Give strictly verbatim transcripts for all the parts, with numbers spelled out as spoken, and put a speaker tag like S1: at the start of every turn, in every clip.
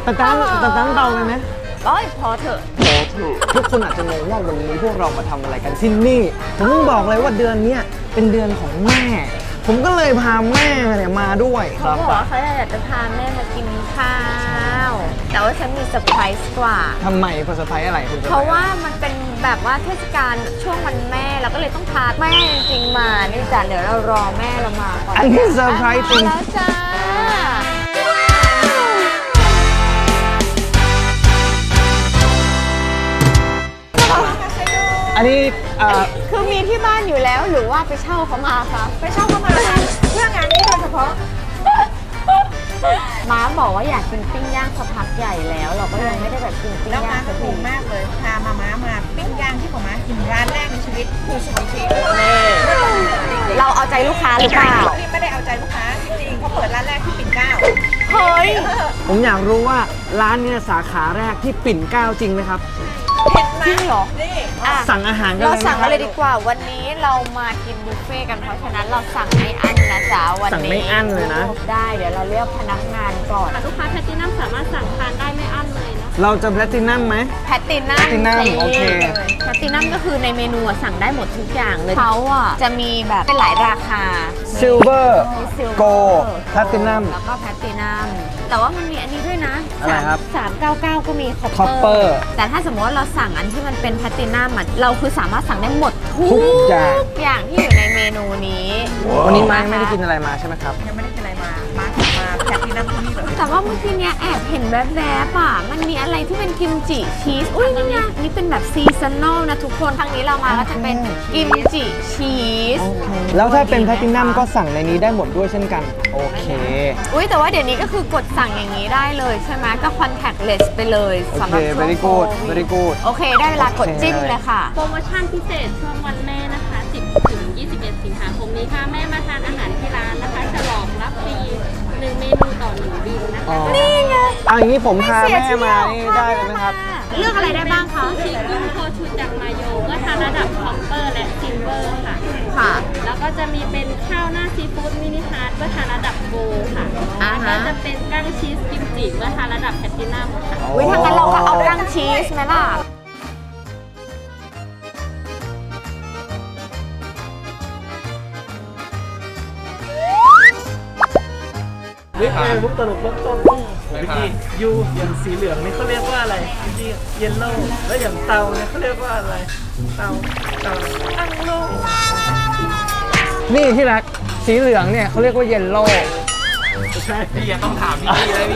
S1: แต่ตั้งแต่ตั้งเตาไปไหม
S2: โอ้ยพอเถอะ
S1: พอเถอะทุกคนอาจจะงงว่าวันนี้พวกเรามาทำอะไรกันที่นี่ผมต้องบอกเลยว่าเดือนนี้เป็นเดือนของแม่ผมก็เลยพาแม่เนี่ยมาด้วยค
S2: เขา
S1: รับ
S2: บอกว่าเขาอยากจะพาแม่มากินข้าวแต่ว่าฉันมีเซอร์ไพรส์กว่า
S1: ทำไมเซอร์ไพรส์อะไรคุณ
S2: เพราะว่ามันเป็นแบบว่าเทศกาลช่วงวันแม่เราก็เลยต้องพาแม่จริงๆมานี่จ้ะเดี๋ยวเรารอแม่เรามาก่อน
S1: อันนี้เซอร์ไพรส์จริง
S2: แล้วจ้า
S1: อันนี้
S2: คือมีที่บ้านอยู่แล้วหรือว่าไปเช่าเขามาคะ
S3: ไปเช่าเขามาเพื่องานนี้โดยเฉพาะ
S2: ม้าบอกว่าอยากกินปิ้งย่างสักพักใหญ่แล้วเราก็ยังไม่ได้แบบกินปิ้ง
S3: แล้ว
S2: ย่าง
S3: มาถูกมากเลยพามาม้ามาปิ้งย่างที่ผมมากินร้านแรกในชีวิตคือสุกี้
S2: เราเอาใจลูกค้าหรือเปล่า
S3: นี่ไม่ได้เอาใจลูกค้าจริงๆเขาเปิดร้านแรกที่ปิ่นเกล้า
S2: เฮ้ย
S1: ผมอยากรู้ว่าร้านเนี่ยสาขาแรกที่ปิ่นเกล้าจริงไหมครับ
S2: จริงเหรอ
S1: สั่งอาหารกัน
S2: เราสั่งกันเลยดีกว่าวันนี้เรามากินบุฟเฟ่กันเพราะฉะนั้นเราสั่งไม่อั้นนะจ๊ะวันนี้
S1: สั่งไม่อั้นเลยนะ
S2: ได้เดี๋ยวเราเรียกพนักงานก่อน
S4: ลูกค้าแพลตินัมสามารถสั่งทานได้ไม่อั้นเลยนะ
S1: เราจะแพลตินัมไหม
S2: แพลตินัม
S1: แพลตินัมโอเค
S2: แพลตินัมก็คือในเมนูสั่งได้หมดทุกอย่างเลยเขาอ่ะจะมีแบบเป็นหลายราคา
S1: ซิลเวอร์โกลด์แพลตินัม
S2: แล้วก็แพลตินัมแต่ว่ามันมีอันนี้ด้วยนะ
S1: อะไรครับ
S2: สามเก้าเก้าก็มี
S1: คอปเปอร์
S2: แต่ถ้าสมมติว่าเราสั่งอันที่มันเป็นแพลตินัมเราคือสามารถสั่งได้หมดทุกอย่างอย่างที่อยู่ในเมนูนี้
S1: วันนี้มาไม่ได้กินอะไรมาใช่ไหมครับ
S3: ยังไม่ได้กินอะไรมามามาแพทตินัมที่นี่เลย
S2: แต่ว่าเมื่อกี้เนี้ยแอบเห็นแวบๆอ่ะมันมีอะไรที่เป็นกิมจิชีสอุ้ยนี่ไงนี่เป็นแบบซีซันนอลนะทุกคนครั้งนี้เรามาก็จะเป็นกิมจิชีส
S1: แล้วถ้าเป็นแพลตินัมก็สั่งในนี้ได้หมดด้วยเช่นกันโอเค
S2: อุ้ยแต่ว่าเดี๋ยวนี้ก็คือกดสั่งอย่างนี้ได้เลยใช่ไหมก็ contactless ไปเลย
S1: สำหรับช่วง very good very good
S2: โอเคได้เวลากดจิ้มเลยค่ะ
S4: โปรโมชั่นพิเศษช่วงวันแม่นะคะสิบถึงยี่สิบเอ็ดสิงหาคมนี้ค่ะแม่มาทานอาหารที่ร้านนะคะฉลองรับฟรีหนึ่งเมนูต่อหนึ่งบิลนะคะ
S2: นี่ไง
S1: เอาอย่างนี้ผมพาแม่มานี่ได้เลยไหมครับ
S2: เลือกอะไรได้บ้างคะ
S4: ชีสกุ้งโคชูจังมาโยเมื่อทานระดับคอปเปอร์และซิลเวอร์ค่ะ
S2: ค่ะ
S4: แล้วก็จะมีเป็นข้าวหน้าซีฟู้ดมินิฮาร์ดเมื่อทานระดับโกลค่ะแล้วก็จะเป็นกั้งชีสกิมจิเมื่อทานระดับแพลตินัมค่ะ
S2: วิธีงั้นเราก็เอากั้งชีสไหมล่ะ
S5: วิกไงมุกตลกเริ่มต้นวิกกี้ยูอย่างสีเหลืองนี่เขาเรียกว่าอะไรวิกกี้เยลโล่แล้วอย่างเตาเนี่ยเขาเรียกว่าอะไรเตาเตาอังโล
S1: นี่ที่รักสีเหลืองเนี่ยเขาเรียกว่าเยลโล่
S5: ใช่พี่ยังต้องถามพี่เลย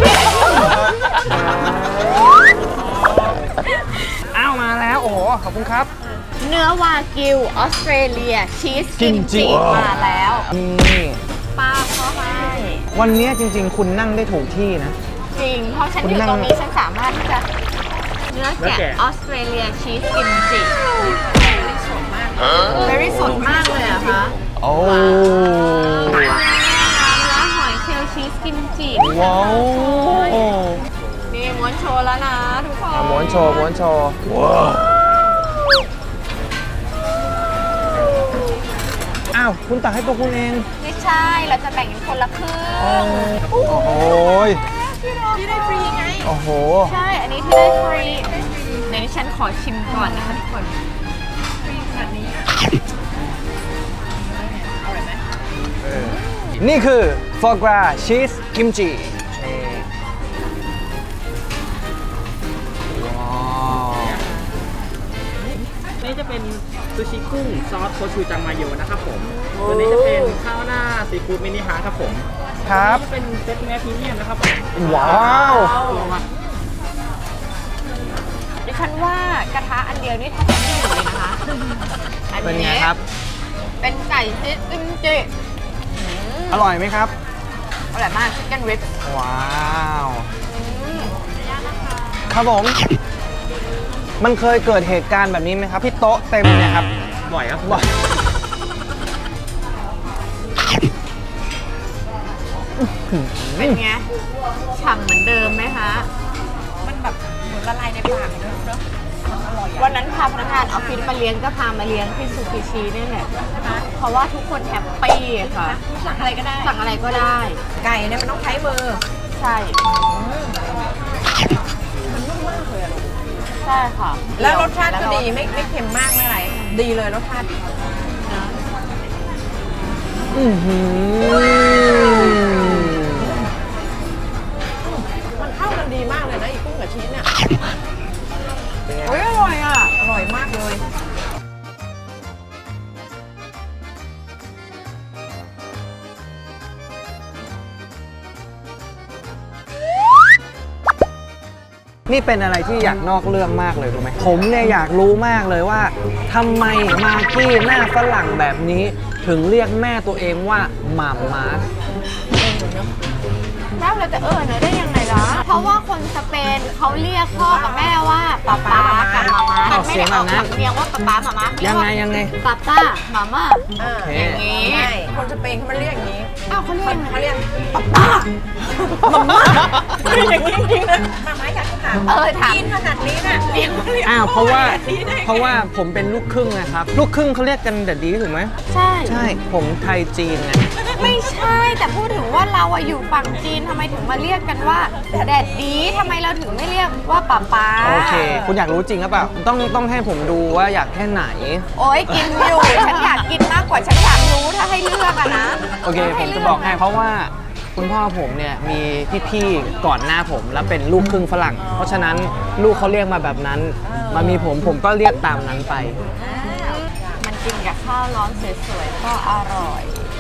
S1: อ้าวมาแล้วโอ้โหขอบคุณครับ
S2: เนื้อวากิวออสเตรเลียชีสกิมจิมาแล้ว
S1: นี่
S2: ป้าเขาให้
S1: วันนี้จริงๆคุณนั่งได้ถูกที่นะ
S2: จริงเพราะฉันอยู่ตรงนี้ฉันสามารถที่จะเนื้อแกะออสเตรเลียชีสกิมจิสดมากเบอรี่สดมากเลยอะคะ
S1: โอ้
S2: เนื้อหอยเชลล์ชีสกิมจิ
S1: ว้าว
S2: นี่ม้วนโชว์แล้วนะทุกคน
S1: ม้วนโชว์ม้วนโชว์ว้าวอ้าวคุณตักให้ตัวคุณเอง
S2: ไม่ใช่เราจะแบ่งกันคนละครึ่ง
S1: โอ้โห
S3: ที่ได้ฟรีไง
S1: โอ้โห
S2: ใช่อันนี้ที่ได้ฟรีในนี้ฉันขอชิมก่อนนะคะทุกคน
S3: ฟรีขนาดนี้อร่อยไหม
S1: นี่คือฟอร์กราชีสกิมจิ
S5: นี่จะเป็นซูชิกุ้งซอสโคชูจังมาโยนะครับผมตัวนี้จะเป็นข้าวหน้าซีฟู้ดมินิฮาร์ทครับผม
S1: ครับ
S5: เป็นเซตเนื้อพรีเมียมนะครับ
S1: ว้าว
S2: ดิฉันว่ากระทะอันเดียวนี่ทำได้อยู่เลยนะคะ
S1: เป็นไงครับ
S2: เป็นไก่ชีสกิมจิ
S1: อร่อยไหมครับ
S2: อร่อยมากชิคเก้นริบ
S1: ว้าวครับผมมันเคยเกิดเหตุการณ์แบบนี้ไหมครับที่โต๊ะเต็มเนี่ยครับ
S5: บ่อยครับ
S1: บ่อย
S2: เป็นไงฉ่ำเหมือนเดิมไหมคะ
S3: มันแบบเหมือนละลายในปากเลยเนาะอร่อย
S2: วันนั้นพาพนักงานออฟฟิศมาเลี้ยงก็พามาเลี้ยงที่ซูกิชินี่แหละเพราะว่าทุกคนแฮปปี้ค่ะ
S3: สั่งอะไรก็ได้
S2: สั่งอะไรก็ได้
S3: ไก่เนี่ยมันต้องใช้มือ
S2: ใช่
S3: เลยอะลูก
S2: ใช่ค่ะ
S3: แล้วรสชาติก็ดีไม่ไม่เค็มมากไม่อะไร ดีเลยรสชาติ
S1: อือหือ
S3: มันเข้ากันดีมากเลยนะอีกุ้งกับชีสเนี่ย
S2: อุ้ยอร่อยอ่ะ
S3: อร่อยมากเลย
S1: นี่เป็นอะไรที่อยากนอกเรื่องมากเลยรู้ไหมผมเนี่ยอยากรู้มากเลยว่าทำไมมากกี้หน้าฝรั่งแบบนี้ ถึงเรียกแม่ตัวเองว่าหม่าม้า
S2: แล้วเราจะเออเนอะได้ยังไงล่ะ เพราะว่าคนสเปนเขาเรียกพ่อกับแม่ว่าป๊าป๊ากับมาม่ามันไม่ได้ออกสำเนียงว่าป๊าป๊ามาม่า
S1: ยังไงยังไง
S2: ป๊าป้ามาม่า
S3: อ่า
S1: โอเค
S2: อย่างนี้
S3: ใช่คนสเปนเขามาเรียกอย่างนี้
S2: อ้าวเขาเรียก
S3: เขาเรียกป๊าป้ามาม่าเรียกอย่างนี้จริงๆนะมาม่าอยากถาม
S2: เออถาม
S3: กินขนาดนี้น่ะเรียกเรียก
S1: อ้าวเพราะว่า
S3: พ่อนี่ได้ไง
S1: เพราะว่าผมเป็นลูกครึ่งนะครับ ลูกครึ่งเขาเรียกกันเดดดีถูกไหม
S2: ใช่
S1: ใช่ผมไทยจีนไง
S2: ไม่ใช่แต่พูดถึงว่าเราอะอยู่ฝั่งจีนทำไมถึงมาเรียกกันว่าแดดดีทำไมเราถึงไม่เรียกว่าป๊าป๊า
S1: โอเค คุณอยากรู้จริงหรือเปล่าต้องต้องให้ผมดูว่าอยากแค่ไหน
S2: โอ้ยกินอยู่ ฉันอยากกินมากกว่าฉันอยากรู้ถ้าให้เลือกอะนะ
S1: โอเค ผมจะบอกให้เพราะว่าคุณพ่อผมเนี่ยมีพี่ๆก่อนหน้าผมแล้วเป็นลูกครึ่งฝรั่ง เพราะฉะนั้นลูกเขาเรียกมาแบบนั้นมามีผมผมก็เรียกตามนั้นไป
S2: มันกินกับข้าวร้อนสวยๆก็อร่อย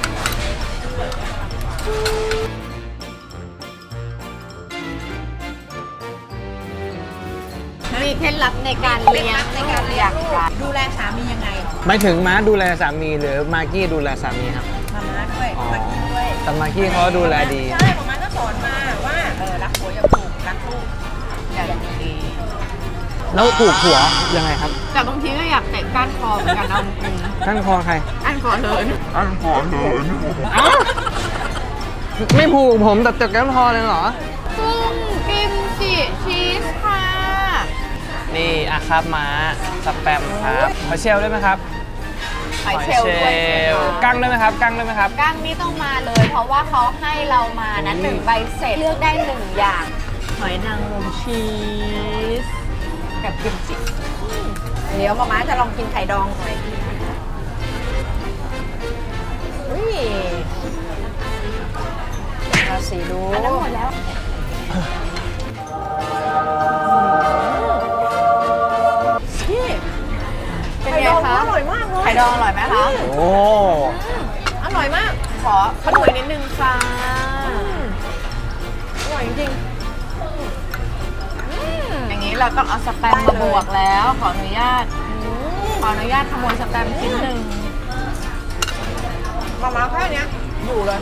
S2: มีเคล็ดลับในการเลี้ยง
S3: ในการเลี้ยง
S2: ลู
S3: ลู
S2: ก
S3: กดูแลสามียังไง
S1: ไม่ถึงม้าดูแลสามีหรือมากกี้ดูแลสามีครับ
S3: มาม่าด้วย
S1: อ๋อ
S3: มากินด้วย
S1: แต่มากกี้เขาดูแลดี
S3: ใช่มาม่าก็สอนมาว่าเออรักผัวอย่าผูกรักลูก
S2: อย่างดี
S1: แล้วผูกหัวยังไงครับ
S2: แต่บางทีก็อยากเตะก้านคอเหมือนกันเอาจริง
S1: ท่านคอใคร
S2: ๆก้านคอเลิน
S1: อ้าวไม่ผูกผมแต่เจ็บแก้มคอเลยเหรอ
S2: กุ้งกิมจิชีสค่ะ
S1: นี่อะครับม้าสแปมครับหอยเชลล์ได้ไหมครับ
S2: หอยเชลล์ด้วย
S1: ลล์กั้งได้ไหมครับกั้งได้ไหมครับ
S2: ก้างนี่ต้องมาเลย เพราะว่าเขาให้เรามานะหนึ่งใบเสร็จเลือกได้หนึ่งอย่าง หอยนางรมชีสกับกิมจิ
S3: เดี๋ยวมาม่าจะลองกินไข่ดองหน่อยอุ้ยเราสีดู
S2: อันนั้นหมดแล้ว
S3: พี่
S2: เป็น
S3: ไข่
S2: ไง
S3: ดอง
S2: คะ
S3: อร่อยมากเลย
S2: ไข่ดองอร่อยไหมคะ
S1: โอ้
S3: อร่อยมาก
S2: ขอขนวยนิดนึงค่ะ
S3: อร่อยจริง
S2: อย่างนี้เราต้องเอาสแตมป์มาบวกแล้ว ขออนุญาต ขออนุญาตขโมยสแตมป์ชิ้นหนึ่ง
S3: ๆมาม่าแค่เนี้ยอยู่เลย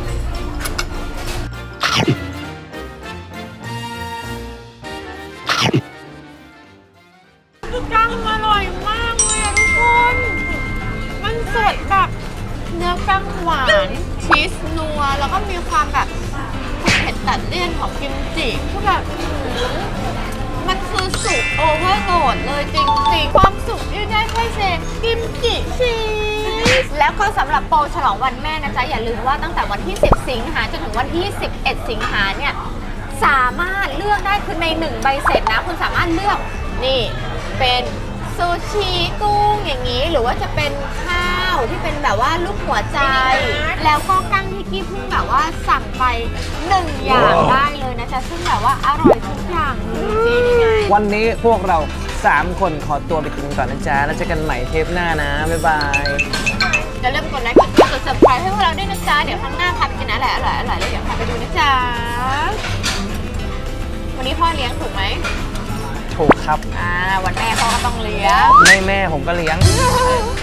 S2: กั้งอร่อยมากเลยอะทุกคน มันสดแบบเนื้อกั้งหวาน ชีสนัว แล้วก็มีความแบบเผ็ดตัดเลี่ยนของกิมจิคือแบบอื้อหือมันคือสุกโอเวอร์โดดเลยจริงๆ ความสุกที่ได้แค่เซกิมจิชีส แล้วก็สำหรับโปรฉลองวันแม่นะจ๊ะ อย่าลืมว่าตั้งแต่วันที่ สิบ สิงหาจนถึงวันที่ สิบเอ็ด สิงหาเนี่ย สามารถเลือกได้คือในหนึ่งใบเสร็จนะ คุณสามารถเลือกนี่เป็นซูชิกุ้งอย่างนี้ หรือว่าจะเป็นข้าวที่เป็นแบบว่าลูกหัวใจ แล้วก็กั้งที่กี้เพิ่งแบบว่าสั่งไปหนึ่งอย่างได้เลยนะจ๊ะซึ่งแบบว่าอร่อยทุกอย่างเลยจริงไง
S1: วันนี้พวกเราสามคนขอตัวไปกินก่อนนะจ๊ะแล้วเจอกันใหม่เทปหน้านะ บ๊ายบาย
S2: อย่าลืมกดไลค์กดแชร์กด ซับสไครบ์ ให้พวกเราด้วยนะจ๊ะ เดี๋ยวครั้งหน้าพาไปกินอะไรอร่อยๆแล้วเดี๋ยวพาไปดูนะจ๊ะ วันนี้พ่อเลี้ยงถูกไหม
S1: ถูกครับ
S2: อ่า วันแม่พ่อก็ต้องเลี้ยง
S1: ไม่แม่ผมก็เลี้ยง